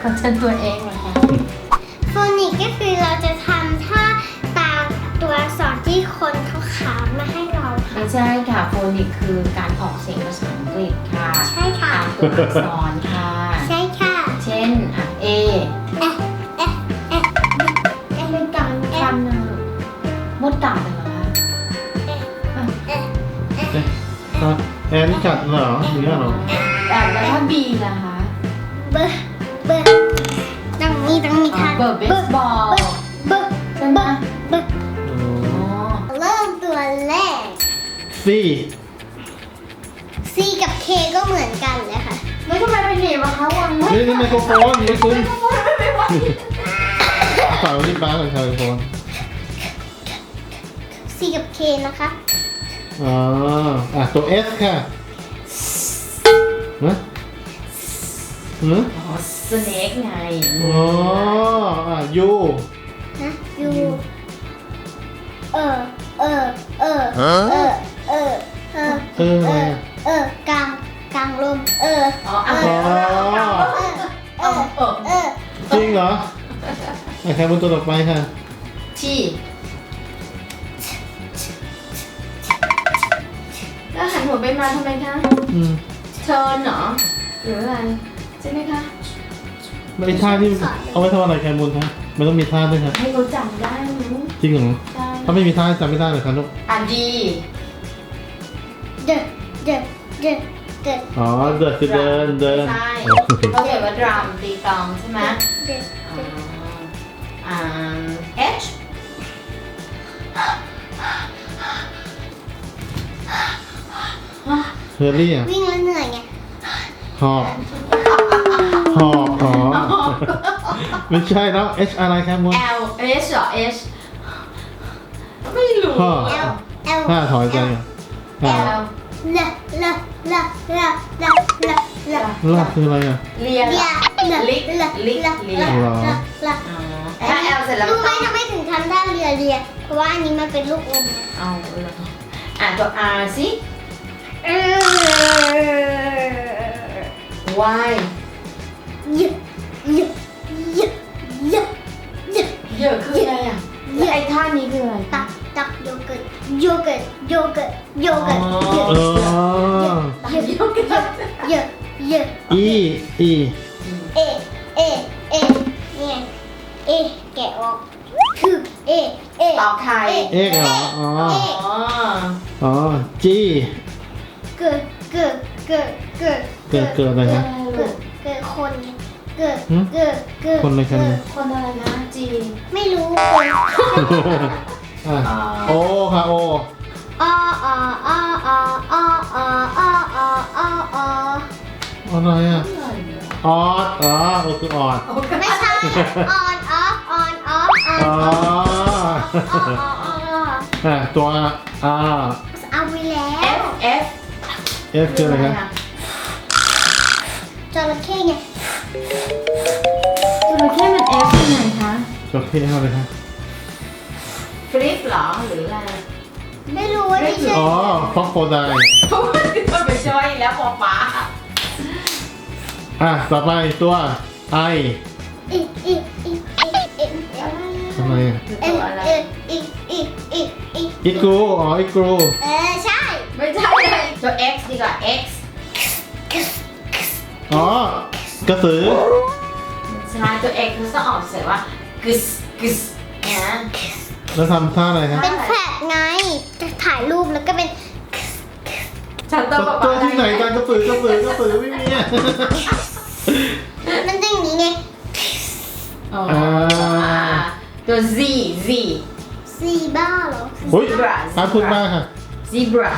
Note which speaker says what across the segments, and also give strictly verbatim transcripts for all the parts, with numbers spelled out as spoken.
Speaker 1: เชิญตัวเองเหรอคะ
Speaker 2: โฟนิกก็คือเราจะทำท่าตามตัวอักษรที่คนเขาขามมาให้เราค่ะ
Speaker 1: ไม่ใช่ค่ะโฟนิกคือการออกเสียงภาษาอังกฤษค่ะ
Speaker 2: ใช่ค่ะ
Speaker 1: ตามตัวอักษรค่ะ
Speaker 2: ใช่ค่ะ
Speaker 1: เช่นอ่ะ A
Speaker 2: เอ๊ะเอ๊ะเอ๊ะเอ๊ะ
Speaker 1: เป็นการทำนะมดกัดเหรอคะ
Speaker 2: เอ๊ะ
Speaker 1: อ่ะ
Speaker 2: เอ๊ะ
Speaker 3: เอ๊ะอ่ะแอนกัดเหรอหรือเหรอ
Speaker 1: แต่แล้วถ้า B ล่ะคะ
Speaker 2: เบอร์เบอร์ต้องมีต้องมี
Speaker 1: อ่ะ
Speaker 2: ท่า
Speaker 1: เบอร์เบสบอล
Speaker 2: เบอร์
Speaker 1: ใช่ไหม
Speaker 2: เบอร์
Speaker 3: อ๋
Speaker 1: อ๋อ
Speaker 2: เริ่มตัวแรก
Speaker 3: ซี
Speaker 2: C กับ K ก็เหมือนกันเลยค่ะ
Speaker 1: แล้วทำไมไปหนีบอะคะวางไว้
Speaker 3: นี่นี่ไมโครโฟนไม่คุ้น
Speaker 1: ไม่ไหว
Speaker 3: ฝากไว้ที่ป้ากับชายโฟน
Speaker 2: C กับ K นะคะ
Speaker 3: อ๋ออ่ะตัว S ค่ะนะหือ
Speaker 1: อ๋อสเน็กไง
Speaker 3: อ๋ออ่ะ U
Speaker 2: นะ U เออเออเออเออเออเออ
Speaker 3: เออ
Speaker 2: เอ
Speaker 3: อะไร
Speaker 2: อ
Speaker 3: อ่ะ
Speaker 2: เออกลางกลางลมเออ
Speaker 1: อ๋ออ่ะ
Speaker 2: เอ
Speaker 3: อ๋อ
Speaker 2: เออเออเออ
Speaker 3: จริงเหรออ่ะใครบนตัวต่อไปค่ะ
Speaker 1: ที่แล้วหันหัวไปมาทำไมคะ
Speaker 3: อืม
Speaker 1: เทิร์นเหรอหรืออะไรใช่ไหมคะ
Speaker 3: ไอ้ท่าที่เอาไว้ทำอะไรแคมูลคะมันต้องมีท่าด้วยค่ะ
Speaker 1: ให้เขาจำได้มั้ง
Speaker 3: จริงเหรอ
Speaker 1: ใช่
Speaker 3: ถ้าไม่มีท่าจำไม่ได้เลยครับลูก
Speaker 1: อ่ะดี
Speaker 2: เดเดเดเด
Speaker 3: อ๋อเดินคือเดินเดิน
Speaker 1: ใช่เขาเขียนว่าดรัมตีกลองใช่ไหม
Speaker 2: เด
Speaker 1: อ๋ออ่า H
Speaker 3: เฮอร์รี่อ่ะ
Speaker 2: วิ่งแล้วเหนื่อยไง
Speaker 3: หอบหอบหอบไม่ใช่แล้ว H อะไรครับมูล
Speaker 1: L H เหรอ H ไม่รู้
Speaker 3: พ่อ
Speaker 1: อ่ะ
Speaker 2: L L
Speaker 3: ท่าถอยใจอ่ะอ่ะ
Speaker 1: L
Speaker 2: เลเลเลเลเลเลเล
Speaker 3: ลากคืออะไรอ่ะ
Speaker 1: เรียน
Speaker 2: เลี
Speaker 1: เหร
Speaker 2: ย
Speaker 1: อ
Speaker 2: เล
Speaker 1: ลิก
Speaker 2: เล
Speaker 1: ลิก
Speaker 2: เล
Speaker 1: เรี
Speaker 2: เลย
Speaker 1: น
Speaker 3: เหรอ
Speaker 2: เล
Speaker 1: อ๋อถ้า L เสร็จแล้ว
Speaker 2: รู้ไหม
Speaker 1: ต้อง
Speaker 2: ทำไมถึงทำท่าเรือเรียเพราะว่าอันนี้มันเป็นลูกอมไง
Speaker 1: เอาเลยอ่ะตัว R สิ
Speaker 2: เออ
Speaker 1: Y
Speaker 2: เยอะเยอะเยอะเยอะเยอะ
Speaker 1: เยอะคืออะไรอ่ะแล้วไอ้ท่านี้คืออะไร
Speaker 2: ตักตักโยเกิร์ตโยเกิร์ตโยเกิร์ตโยเกิร์ตเยอะ
Speaker 3: เออ
Speaker 1: ตักโยกกัน
Speaker 2: เยอะเยอะ
Speaker 3: E E
Speaker 2: เอเอเอเนี่ยเอแกะออกคือเอเอ
Speaker 1: ต่อไข่
Speaker 3: เอกเหรออ๋อ
Speaker 1: อ๋อ
Speaker 3: อ๋อ G
Speaker 2: เกิดเกิดเกิดเกิด
Speaker 3: เกิดเกิดอะไรนะ
Speaker 2: เกิดเกิดคนไงเกิด
Speaker 3: หืม
Speaker 2: เกิดเกิด
Speaker 3: คนอะไรกัน
Speaker 2: เกิด
Speaker 1: คนอะไรนะจี
Speaker 2: ไม่รู้คน
Speaker 3: อ่ะ O ค่ะ O
Speaker 2: อออออออออออออออ
Speaker 3: อะไรอ่ะออดอ๋อ O คือออด
Speaker 2: ไม่ใช่ on off on off on
Speaker 3: อ๋อ
Speaker 2: off อ๋ออ๋ออ๋อ
Speaker 3: อ่ะตัว R
Speaker 2: เอาไปแล้
Speaker 1: F
Speaker 2: ว
Speaker 1: F
Speaker 3: F คืออะไรครับ
Speaker 2: จระเข้ไง
Speaker 1: จระเข้มัน F ยังไงคะ
Speaker 3: จระเข้อะไรครับ
Speaker 1: ฟลิปเหรอหรืออะไร
Speaker 2: ไม่รู้ว่าที่ชื่อ
Speaker 3: อ๋อฟอกโฟได
Speaker 1: เพราะว่ามันไปช่วยแล้วปอฟ้า
Speaker 3: อ่ะ ต่อไปตัว I
Speaker 2: อีอีอีอีอีอะไร
Speaker 3: ทำไมอ่ะ
Speaker 1: คือ
Speaker 2: เอ
Speaker 1: ตัวอะไร
Speaker 2: เออีอีอีอี
Speaker 3: อีกรูอ๋ออีกรู
Speaker 2: เออใช่
Speaker 1: ไม่ใช่เลยตัว X ดีกว่า X
Speaker 3: อ๋อ กระสือ
Speaker 1: ใช่ตัว X มันต้องออกเสียงว่ากึสกึสนะ
Speaker 3: แล้วทำท่าอะไรครับ
Speaker 2: เป็นแฟลชไงจะถ่ายรูปแล้วก็เป็น
Speaker 1: ฉันต้องปอ
Speaker 3: ตัว
Speaker 1: ฟ้า
Speaker 3: ที่ไหนกันกระสือกระสือกระสือไม่มีอ่ะ
Speaker 2: มันจะอย่างนี้ไง
Speaker 1: อ๋อ
Speaker 3: อ่า
Speaker 1: ตัว Z Z
Speaker 2: ซีบ้าเหรอ
Speaker 3: อุ้ยตามคุณมากค่ะ
Speaker 1: zebra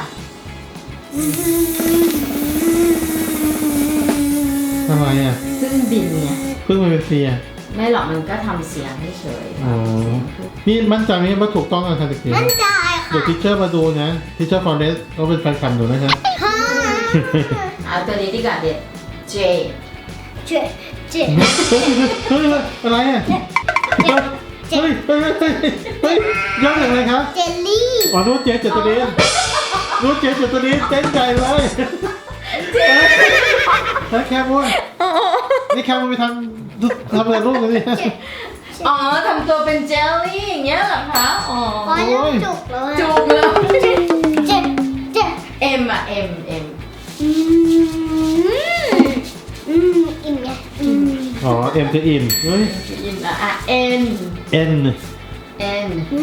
Speaker 3: ทำไมอ่ะ
Speaker 1: ซึ่งบินเนี่ย
Speaker 3: เพิ่งมาเป็นเซีย
Speaker 1: ไม่หรอกมันก็ทำเสียงเฉยๆ
Speaker 3: อ๋อ นี่มั่นใจไหมว่าถูกต้องกันค่ะตะกี้
Speaker 2: มั่นใจ
Speaker 3: เดี๋ยว
Speaker 2: ค่ะ
Speaker 3: ทิชเชอร์มาดูนะทิชเชอร์ฟอนเดสเขาเป็นแฟนคลับหนูนะครับ
Speaker 2: ฮ่า
Speaker 1: เอาตัวนี้ดีกว่าเด็ด J
Speaker 2: เจ๊เจ๊
Speaker 3: เฮ้ยเฮ้ยอะไรอ่ะเฮ้ยเฮ้ยเฮ้ยเฮ้ยเฮ้ยย่ออย่างไรครับ
Speaker 2: เจลลี่
Speaker 3: อ๋อรู้เจ๊เจตเดนรู้เจ๊เจตเดนเต้นใจเลยแล้วแคบวนนี่แคมไปทำทำอะไรลูกเลยนี่
Speaker 1: อ๋อทำตัวเป็นเจลลี่อย่างเงี้ยเหรอคะอ๋อ
Speaker 2: โอ้ยเริ่มจุกแล้วอะ
Speaker 1: จุกเลย
Speaker 2: เจ็บเจ็บเจ็บ
Speaker 1: เอ็มอะเอ็มเอ็ม
Speaker 2: อืมอืมอิ่มไงอืม
Speaker 3: อ๋อเอ็มจะอิ่มเฮ้ย
Speaker 1: อินอะอ่ะเอ็น
Speaker 3: เอ็น
Speaker 1: เอ็น
Speaker 2: อื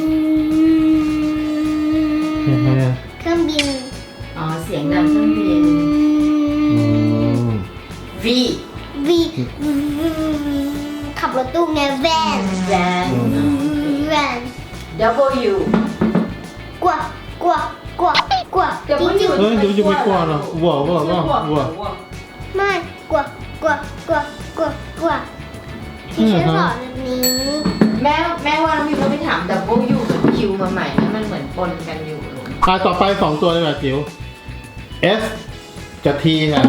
Speaker 3: เห็นไหม
Speaker 2: ม
Speaker 3: อ่ะ
Speaker 2: เครื่องบิน
Speaker 1: อ๋อเสียงดังเครื่องบิน
Speaker 3: อืม
Speaker 1: วี
Speaker 2: วีขับรถตู้ไงแวน
Speaker 1: แวน
Speaker 2: แวน
Speaker 1: ดับเบิลยู
Speaker 2: กลัวกลัวกลัวกลัว
Speaker 1: เดี๋ยวมันอยู่
Speaker 3: เฮ้ยดูจะไม่กลัวเนาะวัววัววัววัว
Speaker 2: ไม่กลัวกลัวกลัวกลัวกลัวที่ฉันสอนแบบนี้
Speaker 1: แม่แม่ว่าน้องพิมต้องไปถามดับเบิลยูกับคิวมาใหม่นะมันเหมือนปนกันอยู่ลูก
Speaker 3: อ่ะต่อไปสองตัวเลยแบบจิ๋ว S กับ T ค่ะ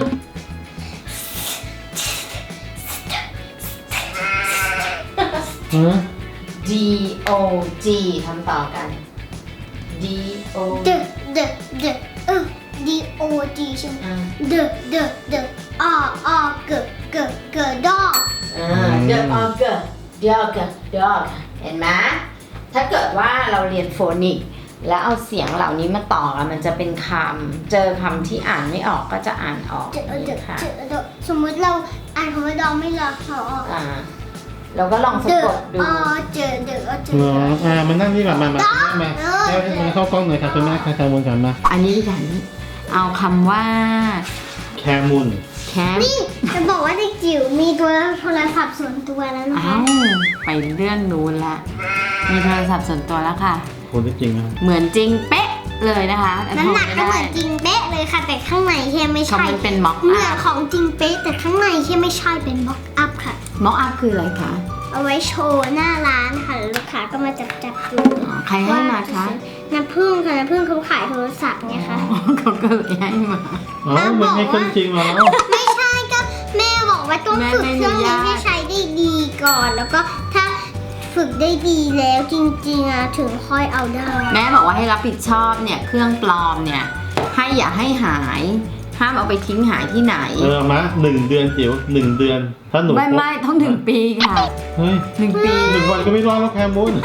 Speaker 3: ฮะ
Speaker 1: D O G ทำต่อกัน D O
Speaker 2: เดเดเดเออ D O G ใช่ไหม
Speaker 1: อ่า
Speaker 2: เดเดเดออเกเกเกดอ
Speaker 1: อ่า The Ogre Dog Dog เห็นไหมถ้าเกิดว่าเราเรียนโฟนิกแล้วเอาเสียงเหล่านี้มาต่อกันมันจะเป็นคำเจอคำที่อ่านไม่ออกก็จะอ่านออก
Speaker 2: เจอเจอ
Speaker 1: ค่ะ
Speaker 2: เจอเจอสมมุติเราอ่านคำว่าดอไม่ละเขาออก
Speaker 1: อ่าเราก็ลองสะ
Speaker 2: เด
Speaker 1: กดดู
Speaker 2: อเจอเดอเจ
Speaker 3: เหร
Speaker 2: อ
Speaker 3: ออ่ามันนั่งนี่แบบมามามาแล้วมาเข้ากล้องหน่อยค่ะคุณแม่ค่ะแคมูลกันมา
Speaker 1: อันนี้ดิฉันเอาคำว่า
Speaker 3: แคมูล
Speaker 1: แคม
Speaker 2: นี่จะบอกว่าเด็กจิ๋วมีตัวโทรศัพท์ส่วนตัวแล้วนะ
Speaker 1: เอ้า
Speaker 2: คะ
Speaker 1: ไปเรื่องนู้นละมีโทรศัพท์ส่วนตัวแล้วค่ะ
Speaker 3: คนที่จริงนะ
Speaker 1: เหมือนจริงเป๊ะเลยนะคะ
Speaker 2: น้ำหนักก็เหมือนจริงเป๊ะเลยค่ะ แต่ข้างในแค่ไม่
Speaker 1: เขา
Speaker 2: ใช่
Speaker 1: มันเป็นม็อก
Speaker 2: เหมือ
Speaker 1: อั
Speaker 2: น
Speaker 1: พ
Speaker 2: ของจริงเป๊ะแต่ข้างในแค่ไม่ใช่เป็นบ็อกอัพค่ะ
Speaker 1: ม็อกอัพคืออะไรคะ
Speaker 2: เอาไว้โชว์หน้าร้านค่ะแล้วลูกค้าก็มาจับจับดู
Speaker 1: อ๋อใครให้มาคะ
Speaker 2: น้ำผึ้งค่ะน้ำผึ้งเขาขายโทรศัพท์ไงคะ
Speaker 1: อ๋อเขาก็เลยให้มา
Speaker 3: อ๋อมันให้คนจริงมาแล้ว
Speaker 2: ไม่ใช่ก็แม่บอกว่าต้อง
Speaker 1: แม่
Speaker 2: ฝึก
Speaker 1: ไม่
Speaker 2: เครื่อง
Speaker 1: อนุ
Speaker 2: นี้
Speaker 1: ญาต
Speaker 2: ให้ใช้ได้ดีก่อน แล้วก็ถ้าฝึกได้ดีแล้วจริงๆอ่ะถึงค่อยเอาได้
Speaker 1: แม่บอกว่าให้รับผิดชอบเนี่ยเครื่องปลอมเนี่ยให้อย่าให้หายห้ามเอาไปทิ้งหายที่ไหน
Speaker 3: เออมาหนึ่งเดือนจิ๋วหนึ่งเดือน ถ้าหนู
Speaker 1: ไม่ไม่ต้องถึงปีค่ะ
Speaker 3: เฮ้ย
Speaker 1: หนึ่งปี
Speaker 3: หนึ่งวันก็ไม่รอดแล้วแคมูล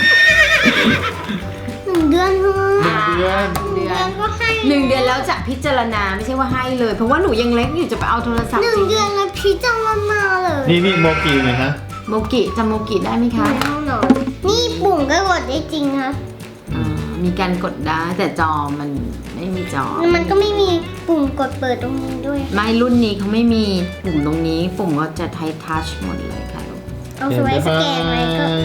Speaker 2: หนึ่งเดือนเท่า
Speaker 3: หนึ่งเดือน
Speaker 2: หนึ่งเดือนก็ให้
Speaker 1: หนึ่งเดือนแล้วจะพิจารณาไม่ใช่ว่าให้เลย เพราะว่าหนูยังเล็กอยู่จะไปเอาโทรศัพท์
Speaker 2: หนึ่ง
Speaker 1: จริง
Speaker 2: เดือนแล้วพิจารณาเลย
Speaker 3: นี่นี่โมกีหน่อยฮะ
Speaker 1: โมกิจำโมกิได้ไหม
Speaker 2: ใน
Speaker 1: คะ
Speaker 2: ห้องนอนนี่ปุ่มก็กดได้จริงคะ
Speaker 1: อ่ามีการกดได้แต่จอมันไม่มีจอ
Speaker 2: แล้วมันก็ไม่มีปุ่มกดเปิดตรงนี้ด้วย
Speaker 1: ไม่รุ่นนี้เขาไม่มีปุ่มตรงนี้ ปุ่มก็จะไททัชหมดเลยค่ะลูก
Speaker 2: เอาสไว้สแกนไว้ก็